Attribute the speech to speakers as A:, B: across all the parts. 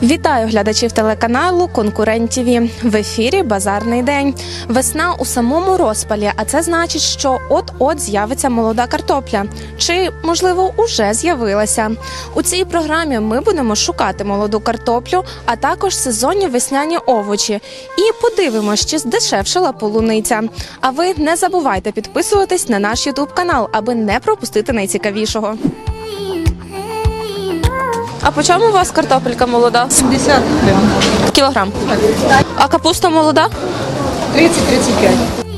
A: Вітаю глядачів телеканалу «Конкурент ТВ». В ефірі «Базарний день». Весна у самому розпалі, а це значить, що от-от з'явиться молода картопля. Чи, можливо, уже з'явилася. У цій програмі ми будемо шукати молоду картоплю, а також сезонні весняні овочі. І подивимося, чи здешевшала полуниця. А ви не забувайте підписуватись на наш ютуб-канал, аби не пропустити найцікавішого. А по чому у вас картопелька молода?
B: 70 гривень.
A: Кілограм. А капуста молода?
B: 30-35.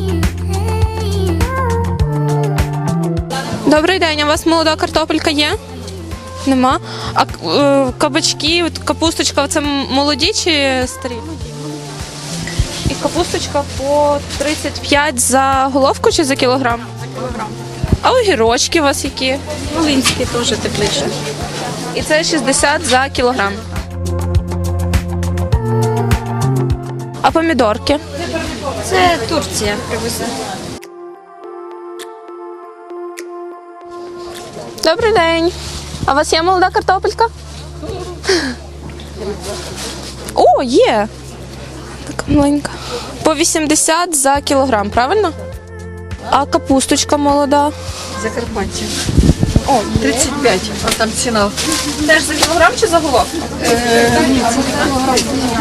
A: Добрий день, а у вас молода картопелька є? Нема. А кабачки, капусточка, це молоді чи старі? І капусточка по 35 за головку чи за кілограм?
B: За кілограм.
A: А огірочки у вас які?
B: Волинські теж тепліше.
A: І це 60 за кілограм. А помідорки?
B: Це Турція привезла.
A: Добрий день. А у вас є молода картопелька? О, є. Така маленька. По 80 за кілограм, правильно? А капусточка молода?
B: Закарпаття. О, 35. А там ціна.
A: Теж за кілограм чи за головку?
B: Ні, це кілограм.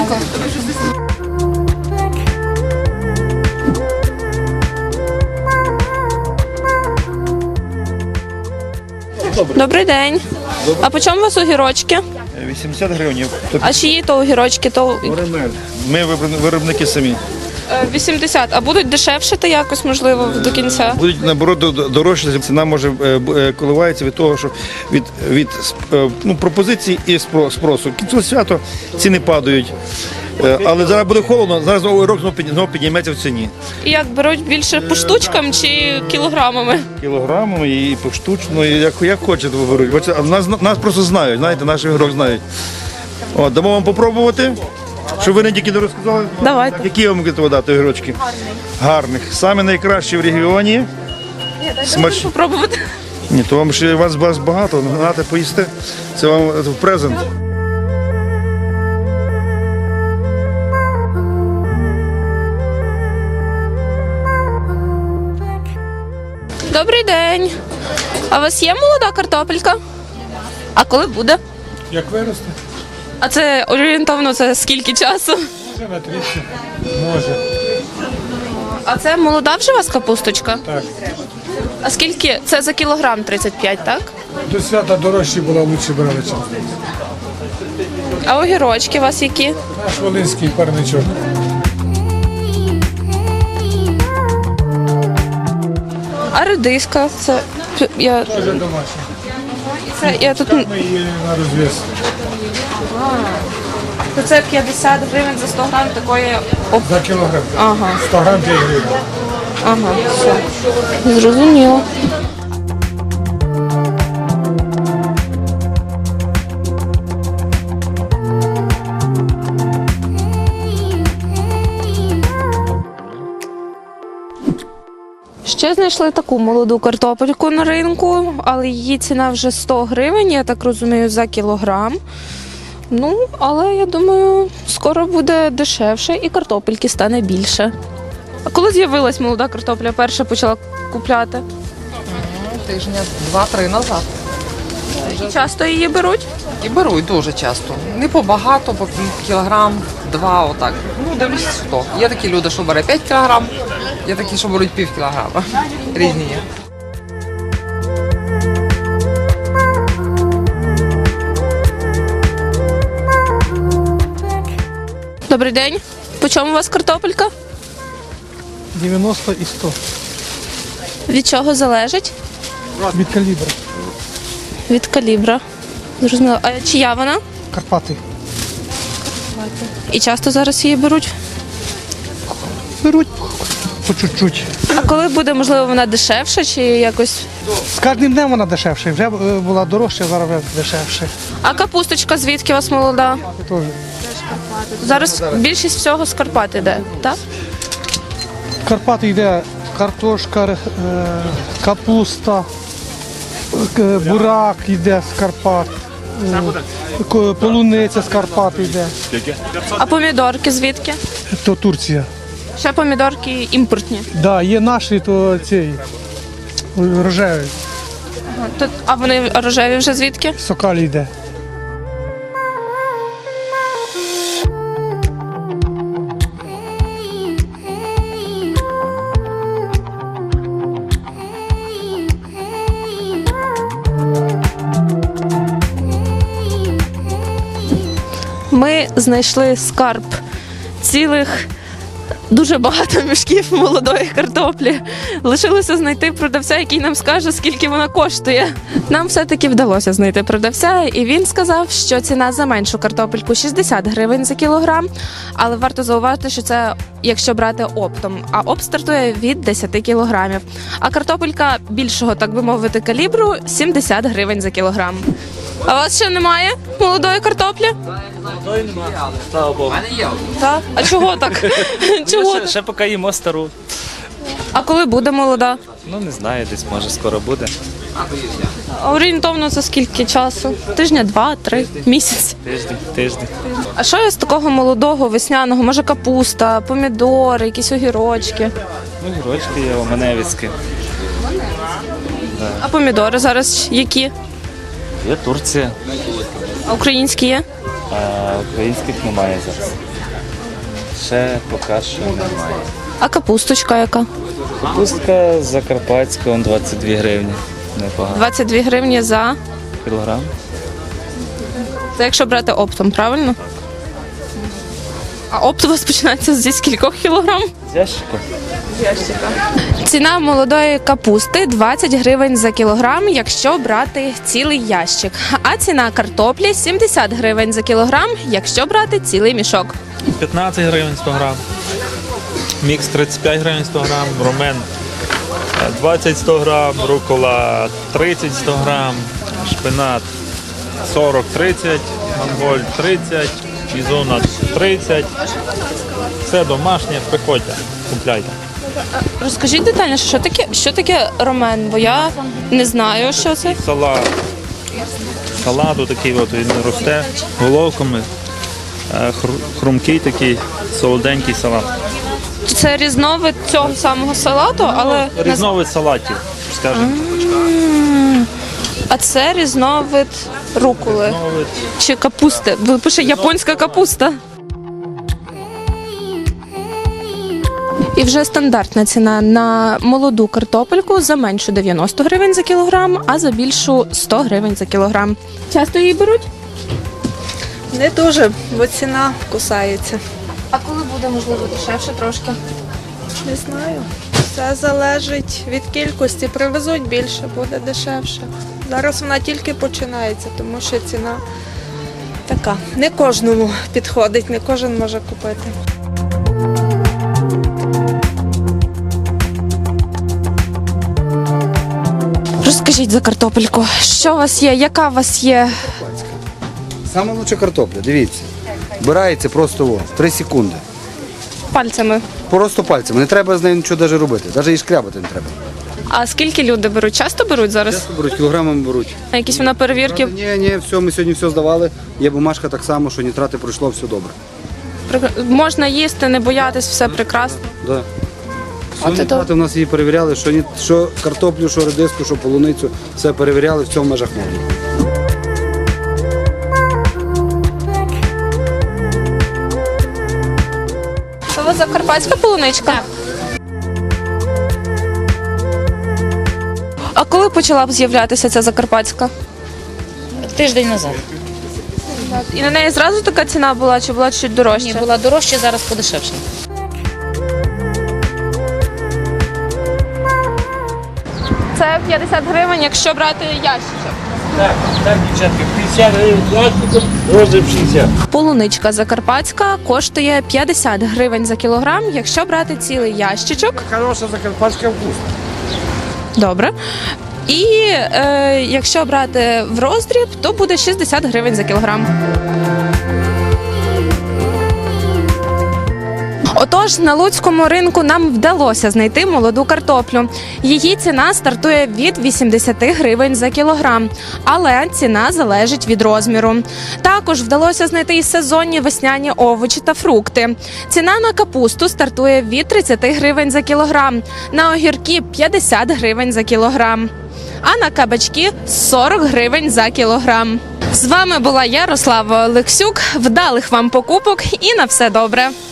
A: Добрий день. А по чому у вас огірочки?
C: 80 гривень.
A: А чиї то огірочки? То
C: Ми виробники самі.
A: 80. А будуть дешевшити якось, можливо, до кінця?
C: Будуть наоборот дорожче. Ціна може коливається від того, що від пропозицій і спросу. Кінцеве свято ціни падають. Але зараз буде холодно, зараз рок знову підніметься в ціні.
A: І як беруть більше по штучкам чи кілограмами?
C: Кілограмами і поштучно, і як хочете беруть. А нас просто знають, знаєте, наш ігрок знають. От, дамо вам попробувати, щоб ви не тільки не розказали.
A: Давайте.
C: Які вам будете дати огірочки? Гарних. Саме найкращі в регіоні. Смачні.
A: Попробувати.
C: Ні, то вам ще вас багато, нагадати поїсти. Це вам в презент.
A: Добрий день. А у вас є молода картопелька? А коли буде?
D: Як виросте?
A: А це орієнтовно це скільки часу?
D: Може на 30, може.
A: А це молода вже у вас капусточка?
D: Так.
A: А скільки? Це за кілограм 35, так?
D: До свята дорожчі було, лучше брали час.
A: А огірочки у вас які?
D: Наш волинський парничок.
A: А редиска? Це я
D: Теж домашній.
A: я тут
D: Ми її на розв'яз.
A: це 50 гривень за 100 грам такої.
D: За кілограм.
A: Ага,
D: 100 грам 5 гривень.
A: ага, все. Зрозуміло. Ще знайшли таку молоду картопельку на ринку, але її ціна вже 100 гривень, я так розумію, за кілограм. Ну, але я думаю, скоро буде дешевше і картопельки стане більше. А коли з'явилась молода картопля, перша почала купляти?
E: Тижня 2-3 назад.
A: І часто її беруть?
E: І беруть дуже часто. Не побагато, по кілограм, 2, отак. Ну, дивлюсь, хто. Є такі люди, що бере 5 кілограм, є такі, що беруть пів кілограма. Різні є.
A: Добрий день. По чому у вас картопелька?
D: 90 і 100.
A: Від чого залежить?
D: Від калібра.
A: Від калібра. Зрозуміло. А чия вона?
D: Карпати.
A: І часто зараз її беруть?
D: Беруть по чуть-чуть.
A: А коли буде, можливо, вона дешевша чи якось?
D: З кожним днем вона дешевша. Вже була дорожча, зараз вже дешевше.
A: А капусточка звідки у вас молода?
D: Теж.
A: Зараз більшість всього з Карпат іде, так?
D: Карпати йде картошка, капуста, бурак йде з Карпат. Полуниця з Карпат йде,
A: А помідорки звідки?
D: то Турція.
A: Ще помідорки імпортні.
D: Да, є наші, то цей рожевий,
A: А вони рожеві вже звідки?
D: Сокалі йде.
A: Ми знайшли скарб цілих дуже багато мішків молодої картоплі. Лишилося знайти продавця, який нам скаже, скільки вона коштує. Нам все-таки вдалося знайти продавця, і він сказав, що ціна за меншу картопельку 60 гривень за кілограм. Але варто зауважити, що це якщо брати оптом, а опт стартує від 10 кілограмів. А картопелька більшого, так би мовити, калібру 70 гривень за кілограм. А у вас ще немає молодої картоплі?
F: Слава Богу.
A: Так. А чого так? Чого так?
F: Ще поки їмо стару.
A: А коли буде молода?
F: Ну не знаю, десь може скоро буде.
A: А орієнтовно за скільки часу? Тижня, 2-3, місяць.
F: Тиждень.
A: А що є з такого молодого, весняного? Може капуста, помідори, якісь огірочки?
F: Ну, гірочки є, оменевицькі.
A: А помідори зараз які?
F: Є Турція,
A: А українські є?
F: а українських немає зараз. Ще поки що немає.
A: А капусточка яка?
F: Капустка закарпатська, он 22 гривні. Непогано.
A: 22 гривні за.
F: Кілограм.
A: Це якщо брати оптом, правильно? А опт у вас починається зі скількох кілограм?
F: З ящика.
A: Ціна молодої капусти 20 гривень за кілограм, якщо брати цілий ящик. А ціна картоплі 70 гривень за кілограм, якщо брати цілий мішок.
G: 15 гривень 100 грам, мікс 35 гривень 100 грам, ромен 20-100 грам, рукола 30-100 грам, шпинат 40-30, манголь 30, ізона 30. Все домашнє, приходьте, купляйте.
A: Розкажіть детальніше, що таке ромен, бо я не знаю, що це.
G: Салат такий от, він росте головками, хрумкий такий, солоденький салат.
A: Це різновид цього самого салату, але
G: Різновид салатів, скажімо.
A: а це різновид руколи
G: Різновид.
A: чи капусти. Бо пише японська капуста. І вже стандартна ціна на молоду картопельку за меншу 90 гривень за кілограм, а за більшу 100 гривень за кілограм. Часто її беруть?
B: Не дуже, бо ціна кусається.
A: А коли буде, можливо, дешевше трошки?
B: Не знаю. Все залежить від кількості. Привезуть більше, буде дешевше. Зараз вона тільки починається, тому що ціна така. Не кожному підходить, не кожен може купити.
A: Розкажіть за картопельку, що у вас є, яка у вас є?
H: Саме лучша картопля, дивіться. Вбирається просто о, 3 секунди.
A: Пальцями.
H: Просто пальцем. Не треба з нею нічого навіть робити. Навіть її шкрябати не треба.
A: А скільки люди беруть? Часто беруть зараз?
H: Часто беруть, кілограмами беруть.
A: А якісь вона перевірки?
H: Ні, все, ми сьогодні все здавали. Є бумажка так само, що нітрати пройшло, все добре.
A: Можна їсти, не боятись, все прекрасно.
H: Да. Все нітрати в нас її перевіряли, що картоплю, що редиску, що полуницю, все перевіряли, в цьому межах норми.
A: Це у вас закарпатська полуничка? Так. А коли почала б з'являтися ця закарпатська?
I: Тиждень назад.
A: І на неї зразу така ціна була, чи була чуть дорожча?
I: Ні, була дорожча, зараз подешевше.
A: Це 50 гривень, якщо брати ящичок.
J: Так, дівчатки, 50 гривень пластиком, розмір 60.
A: Полуничка закарпатська коштує 50 гривень за кілограм, якщо брати цілий ящичок.
J: Хороша закарпатська вкус.
A: Добре. І якщо брати в роздріб, то буде 60 гривень за кілограм. Отож, Тож на луцькому ринку нам вдалося знайти молоду картоплю. Її ціна стартує від 80 гривень за кілограм, але ціна залежить від розміру. Також вдалося знайти і сезонні весняні овочі та фрукти. Ціна на капусту стартує від 30 гривень за кілограм, на огірки 50 гривень за кілограм, а на кабачки 40 гривень за кілограм. З вами була Ярослава Олексюк. Вдалих вам покупок і на все добре!